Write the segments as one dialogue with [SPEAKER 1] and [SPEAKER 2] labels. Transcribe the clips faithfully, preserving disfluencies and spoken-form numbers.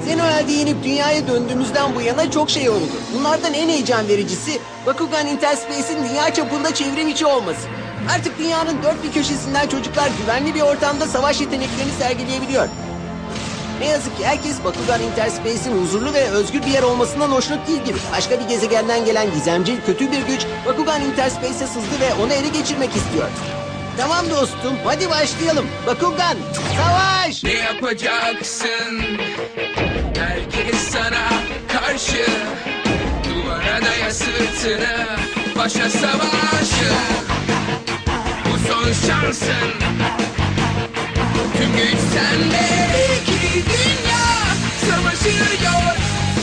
[SPEAKER 1] Zenoel'de yenip dünyaya döndüğümüzden bu yana çok şey oldu. Bunlardan en heyecan vericisi Bakugan Interspace'in dünya çapında çevrim içi olması. Artık dünyanın dört bir köşesinden çocuklar güvenli bir ortamda savaş yeteneklerini sergileyebiliyor. Ne yazık ki herkes Bakugan Interspace'in huzurlu ve özgür bir yer olmasından hoşnut değil gibi. Başka bir gezegenden gelen gizemci, kötü bir güç Bakugan Interspace'e sızdı ve onu ele geçirmek istiyor. Tamam dostum, hadi başlayalım. Bakugan, savaş!
[SPEAKER 2] Ne yapacaksın? Herkes sana karşı. Duvara daya sırtını, başa savaşı. Bu son şansın. Tüm güç sende. İki dünya savaşıyor.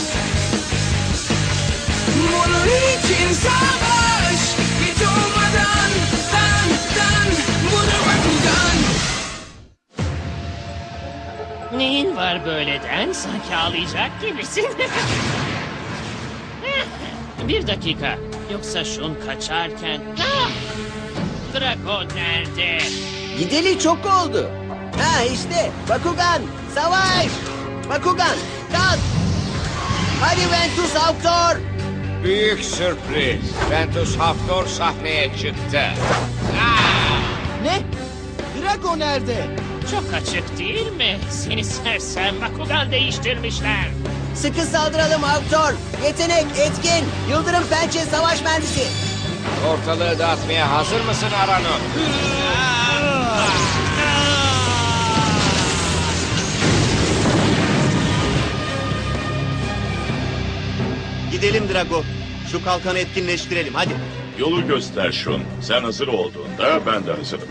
[SPEAKER 2] Bunun için savaş. Hiç olmadan dan dan. Bunu Bakugan.
[SPEAKER 3] Neyin var böyleden? Sanki ağlayacak gibisin. Bir dakika. Yoksa şun kaçarken... Ah! Drago nerede?
[SPEAKER 1] Gideli çok oldu. Ha işte, Bakugan, savaş! Bakugan, kalk! Hadi Ventus Haftor!
[SPEAKER 4] Büyük sürpriz. Ventus Haftor sahneye çıktı.
[SPEAKER 1] Ne? Drago nerede?
[SPEAKER 3] Çok açık değil mi? Seni sersem Bakugan değiştirmişler.
[SPEAKER 1] Sıkı saldıralım Haftor. Yetenek, etkin, yıldırım pençe savaş mühendisi.
[SPEAKER 4] Ortalığı dağıtmaya hazır mısın Arano?
[SPEAKER 5] Gidelim Drago. Şu kalkanı etkinleştirelim hadi.
[SPEAKER 6] Yolu göster Shun. Sen hazır olduğunda ben de hazırım.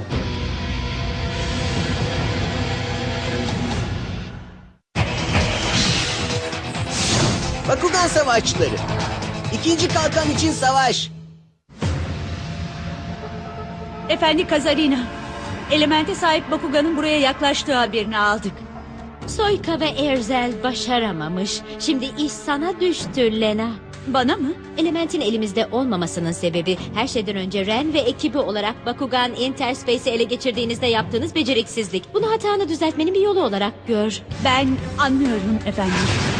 [SPEAKER 1] Bakugan savaşçıları. İkinci kalkan için savaş.
[SPEAKER 7] Efendi Kazarina, elemente sahip Bakugan'ın buraya yaklaştığı haberini aldık.
[SPEAKER 8] Soyka ve Erzel başaramamış. Şimdi iş sana düştü Lena.
[SPEAKER 7] Bana mı?
[SPEAKER 8] Elementin elimizde olmamasının sebebi her şeyden önce Ren ve ekibi olarak Bakugan Interspace'i ele geçirdiğinizde yaptığınız beceriksizlik. Bunu hatanı düzeltmenin bir yolu olarak gör.
[SPEAKER 7] Ben anlıyorum efendim.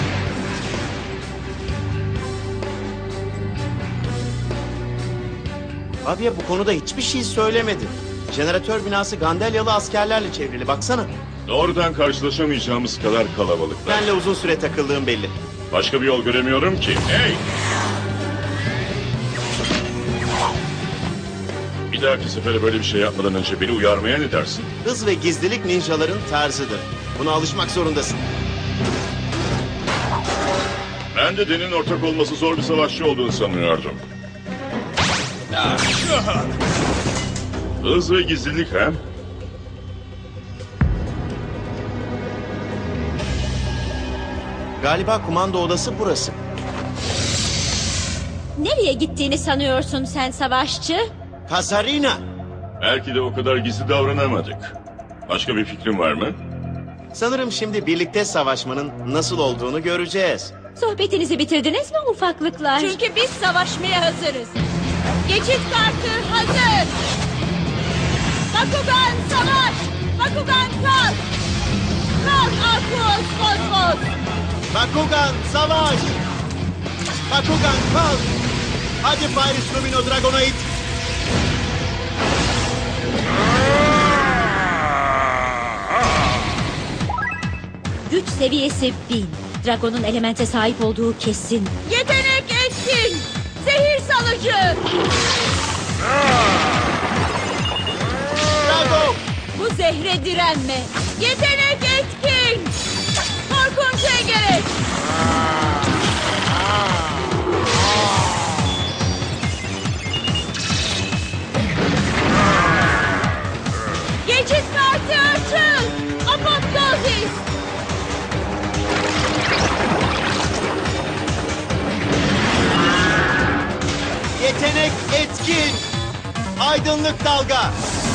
[SPEAKER 5] Fabia bu konuda hiçbir şey söylemedi. Jeneratör binası Gandelyalı askerlerle çevrili baksana.
[SPEAKER 6] Doğrudan karşılaşamayacağımız kadar kalabalıklar.
[SPEAKER 5] Benle uzun süre takıldığım belli.
[SPEAKER 6] Başka bir yol göremiyorum ki. Hey! Bir dahaki sefere böyle bir şey yapmadan önce beni uyarmaya ne dersin?
[SPEAKER 5] Hız ve gizlilik ninjaların tarzıdır. Buna alışmak zorundasın.
[SPEAKER 6] Ben de Den'in ortak olması zor bir savaşçı olduğunu sanıyordum. Hız ve gizlilik ha?
[SPEAKER 5] Galiba kumanda odası burası.
[SPEAKER 8] Nereye gittiğini sanıyorsun sen savaşçı?
[SPEAKER 5] Kazarina!
[SPEAKER 6] Belki de o kadar gizli davranamadık. Başka bir fikrin var mı?
[SPEAKER 5] Sanırım şimdi birlikte savaşmanın nasıl olduğunu göreceğiz.
[SPEAKER 8] Sohbetinizi bitirdiniz mi ufaklıklar?
[SPEAKER 7] Çünkü biz savaşmaya hazırız. Geçit kartı hazır. Bakugan savaş. Bakugan kalk. Kalk Arkuos Fosfos.
[SPEAKER 5] Bakugan savaş! Bakugan kalk! Hadi Pyrus Lumino Dragonoid!
[SPEAKER 8] Güç seviyesi bin. Dragon'un elemente sahip olduğu kesin.
[SPEAKER 7] Yetenek etkin. Zehir salıcı.
[SPEAKER 5] Drago!
[SPEAKER 7] Bu zehre direnme. Yetenek etkin. Korkunç engereç. Geçit kartı açın. Apoptozis.
[SPEAKER 5] Yetenek etkin! Aydınlık dalga!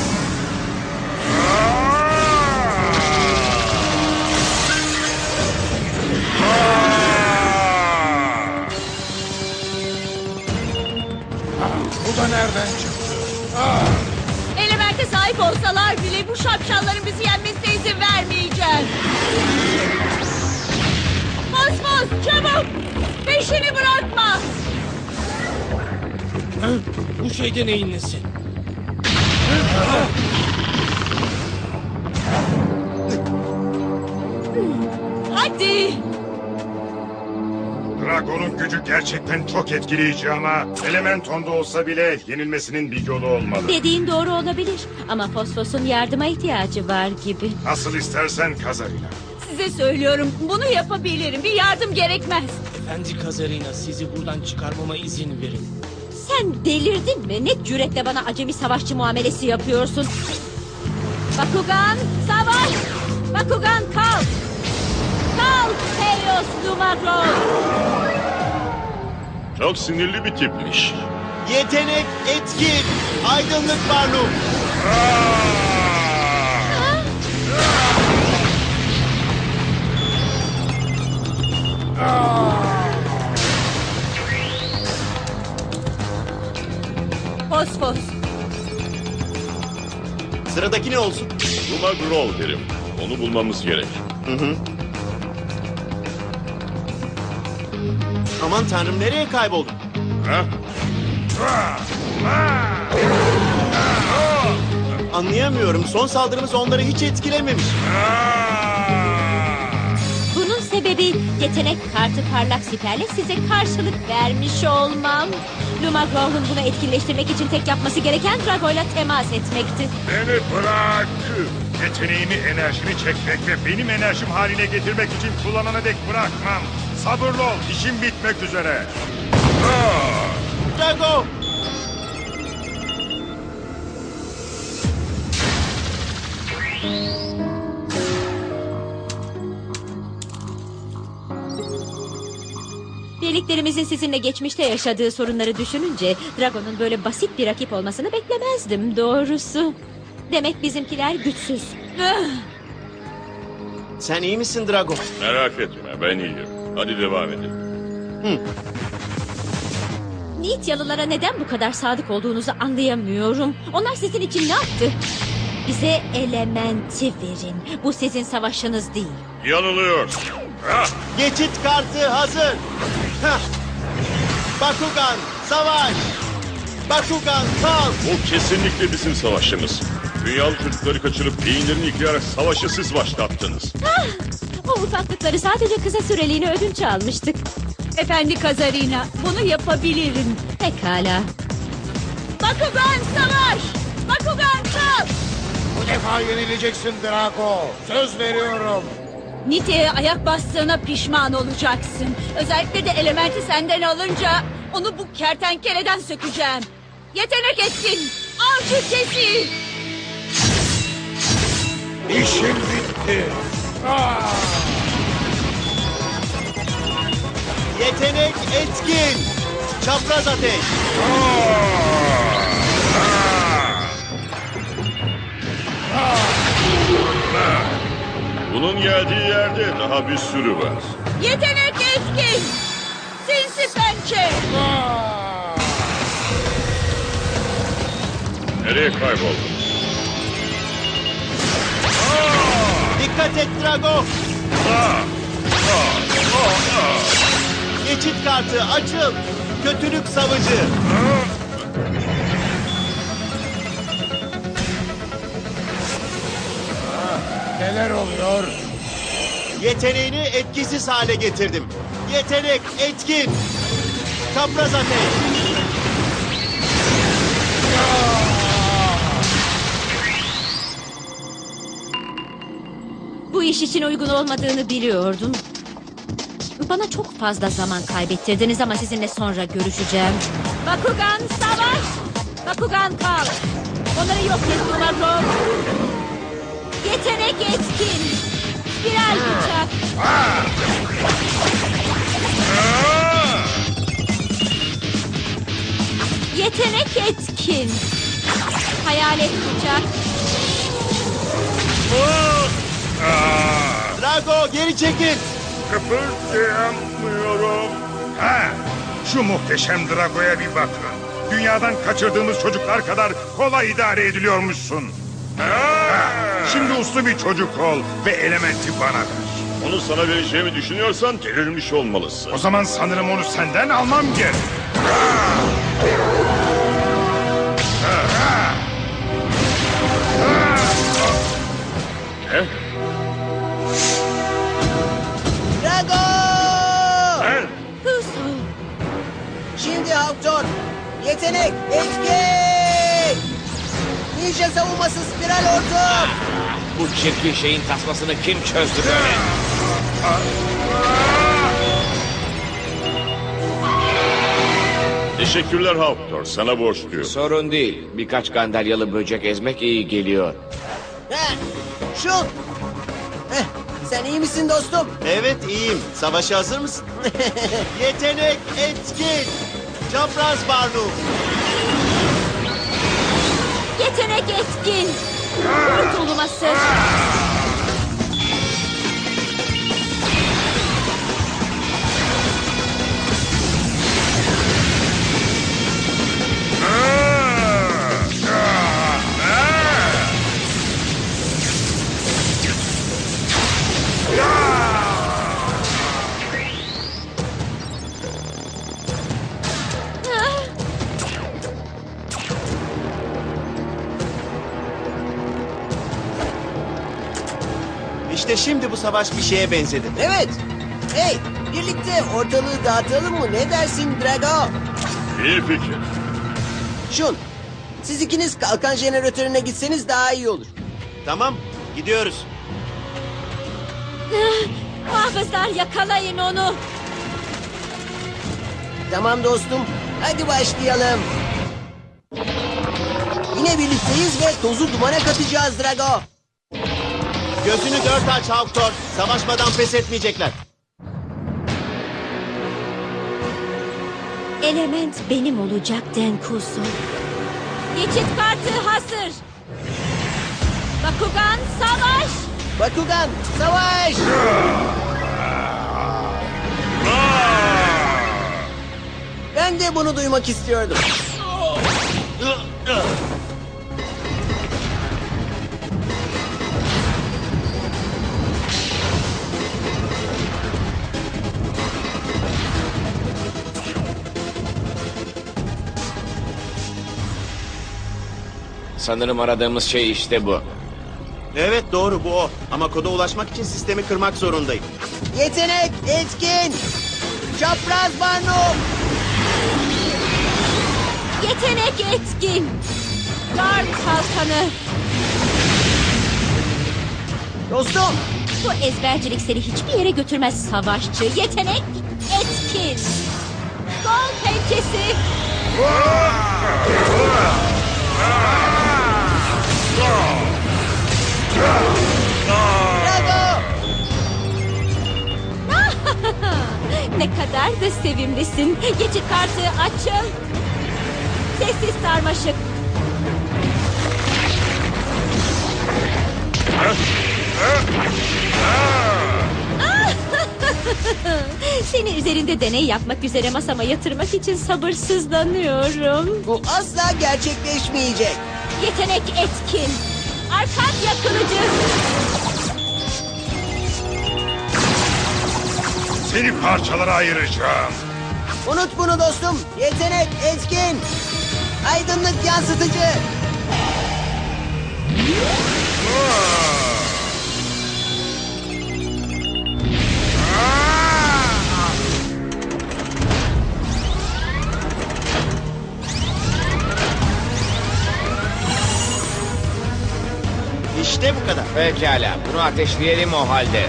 [SPEAKER 4] Bu da nereden çıktı?
[SPEAKER 7] Elemente sahip olsalar bile bu şapşalların bizi yenmesine izin vermeyeceğiz. Peşini bırakma.
[SPEAKER 2] Bu şeyde neyin nesi?
[SPEAKER 7] Hadi.
[SPEAKER 9] Dragon'un gücü gerçekten çok etkileyici ama Elementon'da olsa bile yenilmesinin bir yolu olmalı.
[SPEAKER 8] Dediğin doğru olabilir ama Fosfos'un yardıma ihtiyacı var gibi.
[SPEAKER 9] Nasıl istersen Kazarina.
[SPEAKER 7] Size söylüyorum, bunu yapabilirim. Bir yardım gerekmez.
[SPEAKER 2] Efendi Kazarina, sizi buradan çıkarmama izin verin.
[SPEAKER 8] Sen delirdin mi? Ne cüretle bana acemi savaşçı muamelesi yapıyorsun? Bakugan savaş! Bakugan kalk! Kalk Helios Lumagros!
[SPEAKER 6] Çok sinirli bir tipmiş.
[SPEAKER 5] Yetenek etkin. Aydınlık Barnum.
[SPEAKER 7] Fosfos.
[SPEAKER 5] Sıradaki ne olsun?
[SPEAKER 6] Luma Grol derim. Onu bulmamız gerek.
[SPEAKER 5] Aman tanrım, nereye kayboldun?
[SPEAKER 6] Ha?
[SPEAKER 5] Anlayamıyorum. Son saldırımız onları hiç etkilememiş.
[SPEAKER 8] Bunun sebebi yetenek kartı parlak siperle size karşılık vermiş olmam. Lumagros'un bunu etkinleştirmek için tek yapması gereken Drago'yla temas etmekti.
[SPEAKER 9] Beni bırak. Yeteneğimi, enerjini çekmek ve benim enerjim haline getirmek için kullanana dek bırakmam. Sabırlı ol, işim bitmek üzere.
[SPEAKER 5] Drago!
[SPEAKER 8] Birliklerimizin sizinle geçmişte yaşadığı sorunları düşününce Drago'nun böyle basit bir rakip olmasını beklemezdim doğrusu. Demek bizimkiler güçsüz.
[SPEAKER 5] Sen iyi misin Drago?
[SPEAKER 6] Merak etme, ben iyiyim. Hadi devam edelim.
[SPEAKER 8] Nityalılara neden bu kadar sadık olduğunuzu anlayamıyorum. Onlar sizin için ne yaptı? Bize elementi verin. Bu sizin savaşınız değil.
[SPEAKER 6] Yanılıyorsun.
[SPEAKER 5] Geçit kartı hazır. Hah. Bakugan savaş. Bakugan kalk.
[SPEAKER 6] Bu kesinlikle bizim savaşımız. Dünyalı çocukları kaçırıp beyinlerini yıkayarak savaşı siz başlattınız.
[SPEAKER 8] Ah, o ufaklıkları sadece kısa süreliğine ödünç almıştık.
[SPEAKER 7] Efendi Kazarina, bunu yapabilirim.
[SPEAKER 8] Pekala.
[SPEAKER 7] Bakugan savaş! Bakugan kalk!
[SPEAKER 4] Bu defa yenileceksin Drago. Söz veriyorum.
[SPEAKER 7] Nite'ye ayak bastığına pişman olacaksın. Özellikle de elementi senden alınca onu bu kertenkeleden sökeceğim. Yetenek etkin! Avcı kesi!
[SPEAKER 4] İşim bitti.
[SPEAKER 5] Yetenek etkin. Çapraz ateş.
[SPEAKER 6] Bunun geldiği yerde daha bir sürü var.
[SPEAKER 7] Yetenek etkin! Sinsi pençe!
[SPEAKER 6] Nereye kayboldun?
[SPEAKER 5] Dikkat et Drago. Geçit kartı açıl. Kötülük savcı.
[SPEAKER 4] Neler oluyor?
[SPEAKER 5] Yeteneğini etkisiz hale getirdim. Yetenek etkin. Çapraz ateş.
[SPEAKER 8] Bu iş için uygun olmadığını biliyordum. Bana çok fazla zaman kaybettirdiniz ama sizinle sonra görüşeceğim. Bakugan savaş! Bakugan kal! Onları yok et Lumagros! Yetenek etkin! Spiral bıçak! Yetenek etkin! Hayalet bıçak!
[SPEAKER 5] Drago geri çekil.
[SPEAKER 9] Kıpırdayamıyorum. Ha, şu muhteşem Drago'ya bir bakın. Dünyadan kaçırdığımız çocuklar kadar kolay idare ediliyormuşsun. Ha, şimdi uslu bir çocuk ol ve elementi bana ver.
[SPEAKER 6] Onu sana vereceğimi düşünüyorsan delirmiş olmalısın.
[SPEAKER 9] O zaman sanırım onu senden almam gerek.
[SPEAKER 6] Ne?
[SPEAKER 1] Drago!
[SPEAKER 6] Ben?
[SPEAKER 8] Kusu.
[SPEAKER 1] Şimdi Hawktor. Yetenek, etkin! Ninja savunması spiral hortum.
[SPEAKER 2] Bu çirkin şeyin tasmasını kim çözdü böyle?
[SPEAKER 6] Teşekkürler Hawktor. Sana borçluyum.
[SPEAKER 2] Sorun değil. Birkaç gandalyalı böcek ezmek iyi geliyor.
[SPEAKER 1] Heh, şut! Heh, sen iyi misin dostum?
[SPEAKER 5] Evet iyiyim. Savaşa hazır mısın? Yetenek etkin. Çapraz Barnu.
[SPEAKER 8] Yetenek etkin. Kurtulması.
[SPEAKER 5] İşte şimdi bu savaş bir şeye benzedi.
[SPEAKER 1] Evet. Hey, birlikte ortalığı dağıtalım mı? Ne dersin Drago?
[SPEAKER 6] İyi fikir.
[SPEAKER 1] Şun, siz ikiniz kalkan jeneratörüne gitseniz daha iyi olur.
[SPEAKER 5] Tamam gidiyoruz.
[SPEAKER 8] Muhafızlar yakalayın onu.
[SPEAKER 1] Tamam dostum, hadi başlayalım. Yine birlikteyiz ve tozu dumana katacağız Drago.
[SPEAKER 5] Gözünü dört aç Hawktor. Savaşmadan pes etmeyecekler.
[SPEAKER 8] Element benim olacak Denkusu. Geçit kartı hazır. Bakugan savaş.
[SPEAKER 1] Bakugan, savaş! Ben de bunu duymak istiyordum.
[SPEAKER 2] Sanırım aradığımız şey işte bu.
[SPEAKER 5] Evet doğru bu o. Ama koda ulaşmak için sistemi kırmak zorundayım.
[SPEAKER 1] Yetenek, etkin! Çapraz Barnum!
[SPEAKER 8] Yetenek etkin. Dark kalkanı.
[SPEAKER 1] Dostum,
[SPEAKER 8] Bu ezbercilik seni hiçbir yere götürmez savaşçı. Yetenek etkin. Gol pençesi.
[SPEAKER 1] Drago!
[SPEAKER 8] Ne kadar da sevimlisin. Geçit kartı açıl. Sessiz sarmaşık. Seni üzerinde deney yapmak üzere masama yatırmak için sabırsızlanıyorum.
[SPEAKER 1] Bu asla gerçekleşmeyecek.
[SPEAKER 8] Yetenek etkin. Arkadya kılıcı.
[SPEAKER 9] Seni parçalara ayıracağım.
[SPEAKER 1] Unut bunu dostum. Yetenek, etkin! Aydınlık yansıtıcı!
[SPEAKER 5] İşte bu kadar.
[SPEAKER 2] Pekala, bunu ateşleyelim o halde.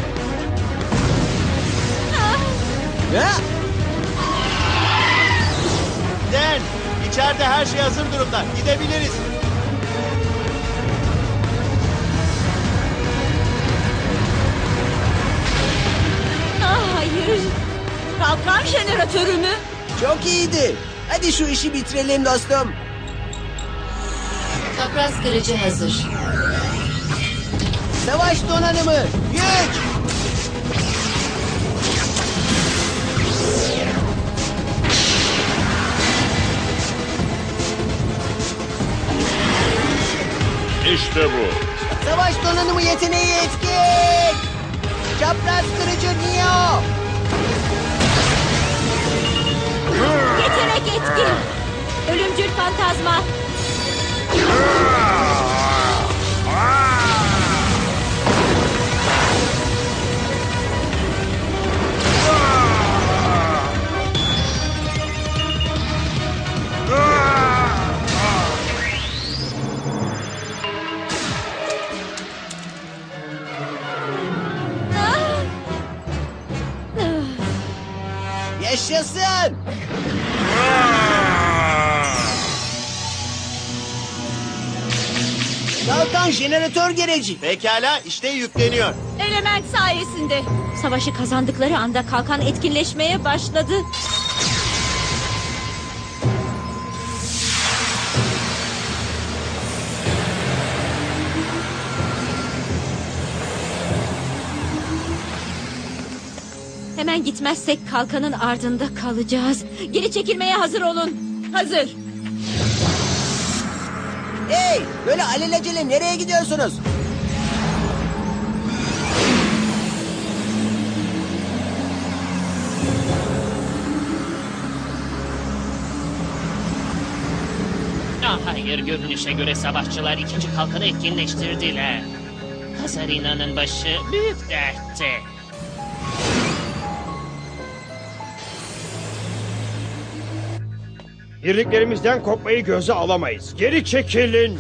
[SPEAKER 1] Ha?
[SPEAKER 5] Den, içeride her şey hazır durumda. Gidebiliriz.
[SPEAKER 8] Ah, hayır. Kalkan jeneratörü mü?
[SPEAKER 1] Çok iyiydi. Hadi şu işi bitirelim dostum.
[SPEAKER 10] Çapraz kırıcı hazır.
[SPEAKER 1] Savaş donanımı, güç!
[SPEAKER 6] İşte bu.
[SPEAKER 1] Savaş donanımı yeteneği etkin! Çapraz kırıcı Neo.
[SPEAKER 8] Yetenek etkin. Ölümcül fantazma.
[SPEAKER 1] Yaşasın. Kalkan jeneratör gereci.
[SPEAKER 5] Pekala, işte yükleniyor.
[SPEAKER 7] Element sayesinde.
[SPEAKER 8] Savaşı kazandıkları anda kalkan etkinleşmeye başladı. Hemen gitmezsek kalkanın ardında kalacağız. Geri çekilmeye hazır olun.
[SPEAKER 7] Hazır.
[SPEAKER 1] Hey, böyle alelacele nereye gidiyorsunuz?
[SPEAKER 3] Ah hayır, görünüşe göre savaşçılar ikinci kalkanı etkinleştirdiler. Kazarina'nın başı büyük dertte.
[SPEAKER 10] Birliklerimizden kopmayı göze alamayız. Geri çekilin.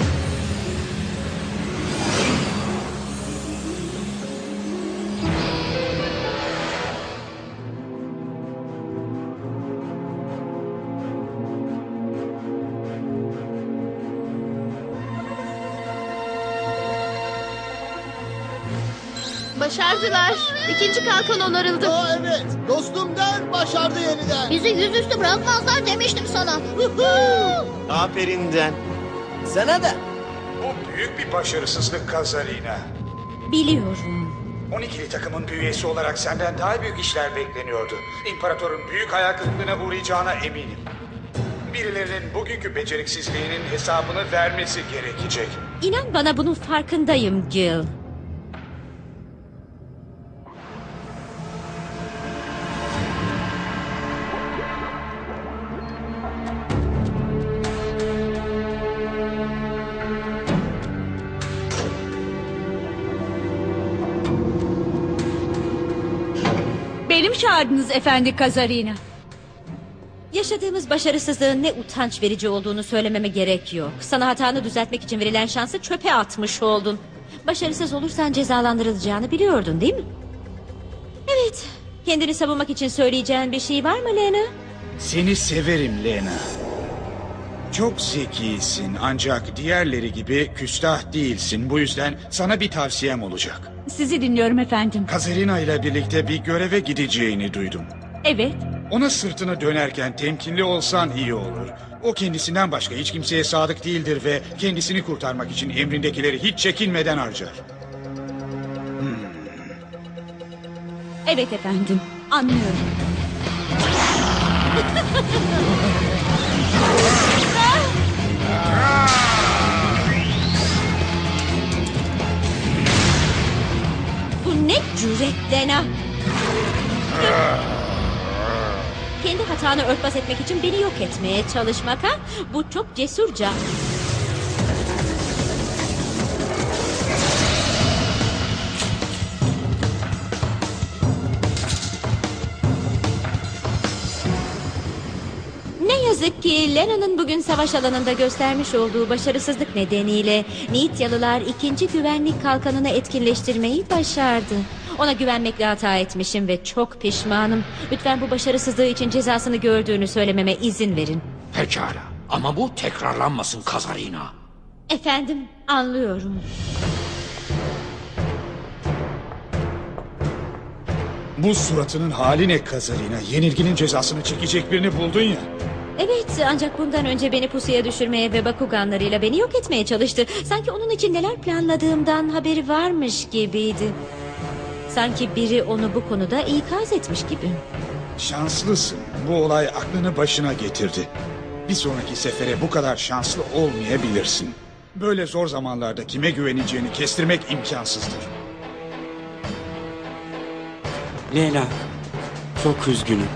[SPEAKER 11] Başardılar. İkinci kalkan onarıldı.
[SPEAKER 5] Aa, evet, dostum der başardı yeniden.
[SPEAKER 11] Bizi yüzüstü bırakmazlar demiştim sana.
[SPEAKER 5] Aferin Den.
[SPEAKER 1] Sana da.
[SPEAKER 4] Bu büyük bir başarısızlık Kazarina.
[SPEAKER 8] Biliyorum.
[SPEAKER 4] on ikili takımın bir üyesi olarak senden daha büyük işler bekleniyordu. İmparatorun büyük hayal kırıklığına uğrayacağına eminim. Birilerinin bugünkü beceriksizliğinin hesabını vermesi gerekecek.
[SPEAKER 8] İnan bana bunun farkındayım Gil.
[SPEAKER 7] Benim çağırdınız efendi Kazarina.
[SPEAKER 8] Yaşadığımız başarısızlığın ne utanç verici olduğunu söylememe gerek yok. Sana hatanı düzeltmek için verilen şansı çöpe atmış oldun. Başarısız olursan cezalandırılacağını biliyordun değil mi? Evet. Kendini savunmak için söyleyeceğin bir şey var mı Lena?
[SPEAKER 12] Seni severim Lena. Çok zekisin ancak diğerleri gibi küstah değilsin. Bu yüzden sana bir tavsiyem olacak.
[SPEAKER 7] Sizi dinliyorum efendim.
[SPEAKER 12] Kazarina ile birlikte bir göreve gideceğini duydum.
[SPEAKER 7] Evet.
[SPEAKER 12] Ona sırtını dönerken temkinli olsan iyi olur. O kendisinden başka hiç kimseye sadık değildir ve kendisini kurtarmak için emrindekileri hiç çekinmeden harcar. Hmm.
[SPEAKER 7] Evet efendim. Anlıyorum.
[SPEAKER 8] Bu ne cüret Lena? Kendi hatanı örtbas etmek için beni yok etmeye çalışmak ha? Bu çok cesurca. Ne yazık ki Lena'nın bugün savaş alanında göstermiş olduğu başarısızlık nedeniyle Nityalılar ikinci güvenlik kalkanını etkinleştirmeyi başardı. Ona güvenmekle hata etmişim ve çok pişmanım. Lütfen bu başarısızlığı için cezasını gördüğünü söylememe izin verin.
[SPEAKER 13] Pekala ama bu tekrarlanmasın Kazarina.
[SPEAKER 8] Efendim, anlıyorum.
[SPEAKER 12] Bu suratının hali ne Kazarina? Yenilginin cezasını çekecek birini buldun ya.
[SPEAKER 8] Evet, ancak bundan önce beni pusuya düşürmeye ve Bakuganlarıyla beni yok etmeye çalıştı. Sanki onun için neler planladığımdan haberi varmış gibiydi. Sanki biri onu bu konuda ikaz etmiş gibi.
[SPEAKER 12] Şanslısın. Bu olay aklını başına getirdi. Bir sonraki sefere bu kadar şanslı olmayabilirsin. Böyle zor zamanlarda kime güveneceğini kestirmek imkansızdır.
[SPEAKER 14] Lena, çok üzgünüm.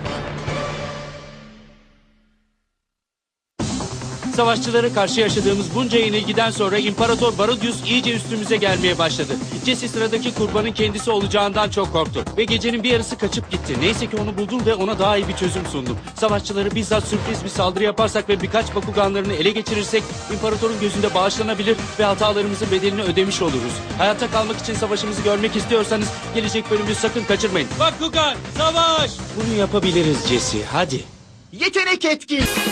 [SPEAKER 2] Savaşçılara karşı yaşadığımız bunca yenilgiden sonra İmparator Barodius iyice üstümüze gelmeye başladı. Jesse sıradaki kurbanın kendisi olacağından çok korktu. Ve gecenin bir yarısı kaçıp gitti. Neyse ki onu buldum ve ona daha iyi bir çözüm sundum. Savaşçıları bizzat sürpriz bir saldırı yaparsak ve birkaç Bakuganlarını ele geçirirsek İmparatorun gözünde bağışlanabilir ve hatalarımızın bedelini ödemiş oluruz. Hayatta kalmak için savaşımızı görmek istiyorsanız gelecek bölümü sakın kaçırmayın. Bakugan, savaş! Bunu yapabiliriz Jesse, hadi.
[SPEAKER 5] Yetenek etkin.